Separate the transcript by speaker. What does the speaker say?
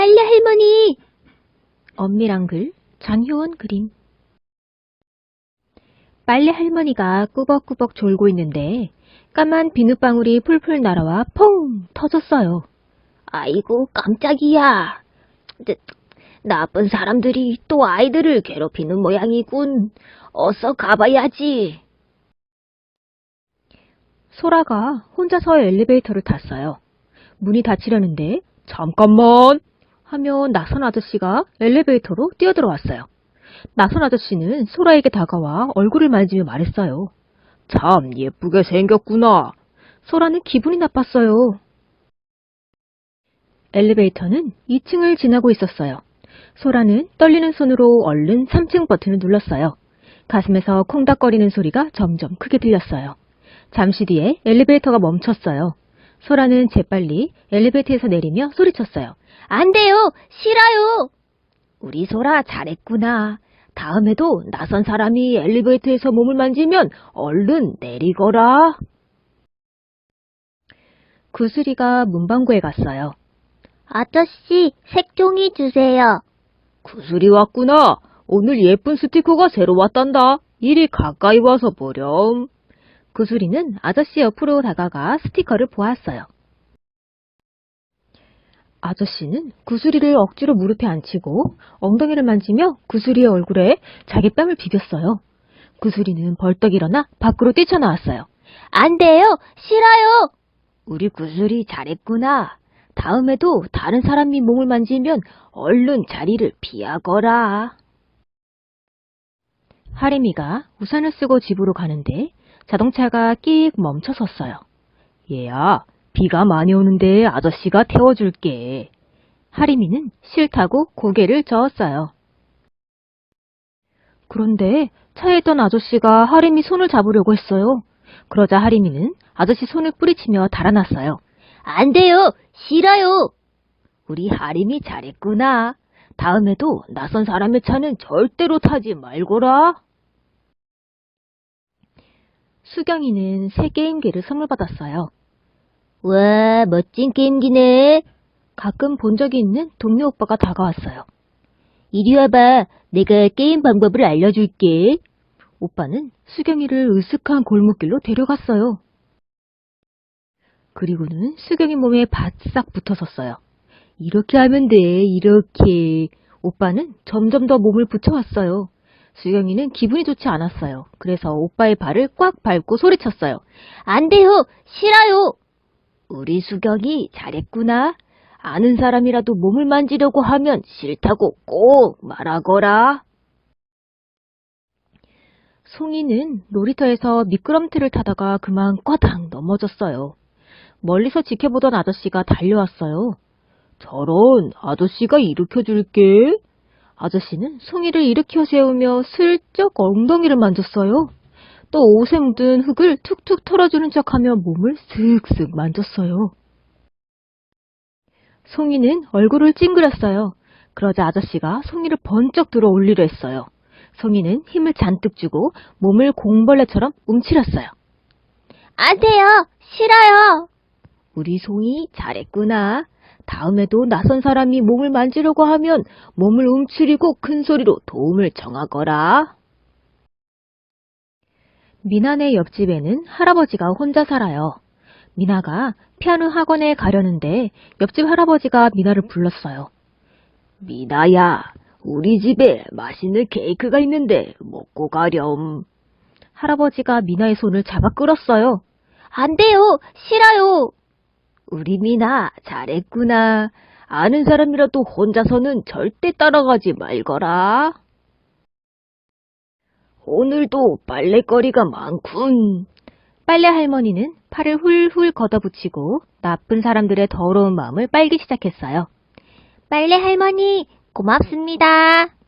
Speaker 1: 빨래 할머니! 엄밀한 글, 전효원 그림. 빨래 할머니가 꾸벅꾸벅 졸고 있는데 까만 비눗방울이 풀풀 날아와 퐁 터졌어요. 아이고 깜짝이야. 나쁜 사람들이 또 아이들을 괴롭히는 모양이군. 어서 가봐야지. 소라가 혼자서 엘리베이터를 탔어요. 문이 닫히려는데 잠깐만 하며 낯선 아저씨가 엘리베이터로 뛰어들어왔어요. 낯선 아저씨는 소라에게 다가와 얼굴을 만지며 말했어요. 참 예쁘게 생겼구나. 소라는 기분이 나빴어요. 엘리베이터는 2층을 지나고 있었어요. 소라는 떨리는 손으로 얼른 3층 버튼을 눌렀어요. 가슴에서 콩닥거리는 소리가 점점 크게 들렸어요. 잠시 뒤에 엘리베이터가 멈췄어요. 소라는 재빨리 엘리베이터에서 내리며 소리쳤어요. 안 돼요! 싫어요! 우리 소라 잘했구나. 다음에도 낯선 사람이 엘리베이터에서 몸을 만지면 얼른 내리거라. 구슬이가 문방구에 갔어요. 아저씨, 색종이 주세요. 구슬이 왔구나. 오늘 예쁜 스티커가 새로 왔단다. 이리 가까이 와서 보렴. 구슬이는 아저씨 옆으로 다가가 스티커를 보았어요. 아저씨는 구슬이를 억지로 무릎에 앉히고 엉덩이를 만지며 구슬이의 얼굴에 자기 뺨을 비볐어요. 구슬이는 벌떡 일어나 밖으로 뛰쳐나왔어요. 안 돼요! 싫어요! 우리 구슬이 잘했구나. 다음에도 다른 사람이 몸을 만지면 얼른 자리를 피하거라. 하림이가 우산을 쓰고 집으로 가는데 자동차가 끽 멈춰섰어요. 얘야, 비가 많이 오는데 아저씨가 태워줄게. 하림이는 싫다고 고개를 저었어요. 그런데 차에 있던 아저씨가 하림이 손을 잡으려고 했어요. 그러자 하림이는 아저씨 손을 뿌리치며 달아났어요. 안 돼요! 싫어요! 우리 하림이 잘했구나. 다음에도 낯선 사람의 차는 절대로 타지 말거라. 수경이는 새 게임기를 선물 받았어요. 와, 멋진 게임기네. 가끔 본 적이 있는 동료 오빠가 다가왔어요. 이리 와봐. 내가 게임 방법을 알려줄게. 오빠는 수경이를 으슥한 골목길로 데려갔어요. 그리고는 수경이 몸에 바싹 붙어섰어요. 이렇게 하면 돼, 이렇게. 오빠는 점점 더 몸을 붙여왔어요. 수경이는 기분이 좋지 않았어요. 그래서 오빠의 발을 꽉 밟고 소리쳤어요. 안 돼요! 싫어요! 우리 수경이 잘했구나. 아는 사람이라도 몸을 만지려고 하면 싫다고 꼭 말하거라. 송이는 놀이터에서 미끄럼틀을 타다가 그만 꽈당 넘어졌어요. 멀리서 지켜보던 아저씨가 달려왔어요. 저런, 아저씨가 일으켜줄게. 아저씨는 송이를 일으켜 세우며 슬쩍 엉덩이를 만졌어요. 또 옷에 묻은 흙을 툭툭 털어주는 척하며 몸을 슥슥 만졌어요. 송이는 얼굴을 찡그렸어요. 그러자 아저씨가 송이를 번쩍 들어 올리려 했어요. 송이는 힘을 잔뜩 주고 몸을 공벌레처럼 움츠렸어요. 안 돼요! 싫어요! 우리 송이 잘했구나. 다음에도 낯선 사람이 몸을 만지려고 하면 몸을 움츠리고 큰 소리로 도움을 청하거라. 미나네 옆집에는 할아버지가 혼자 살아요. 미나가 피아노 학원에 가려는데 옆집 할아버지가 미나를 불렀어요. 미나야, 우리 집에 맛있는 케이크가 있는데 먹고 가렴. 할아버지가 미나의 손을 잡아 끌었어요. 안 돼요! 싫어요! 우리 미나 잘했구나. 아는 사람이라도 혼자서는 절대 따라가지 말거라. 오늘도 빨래거리가 많군. 빨래 할머니는 팔을 훌훌 걷어붙이고 나쁜 사람들의 더러운 마음을 빨기 시작했어요. 빨래 할머니, 고맙습니다.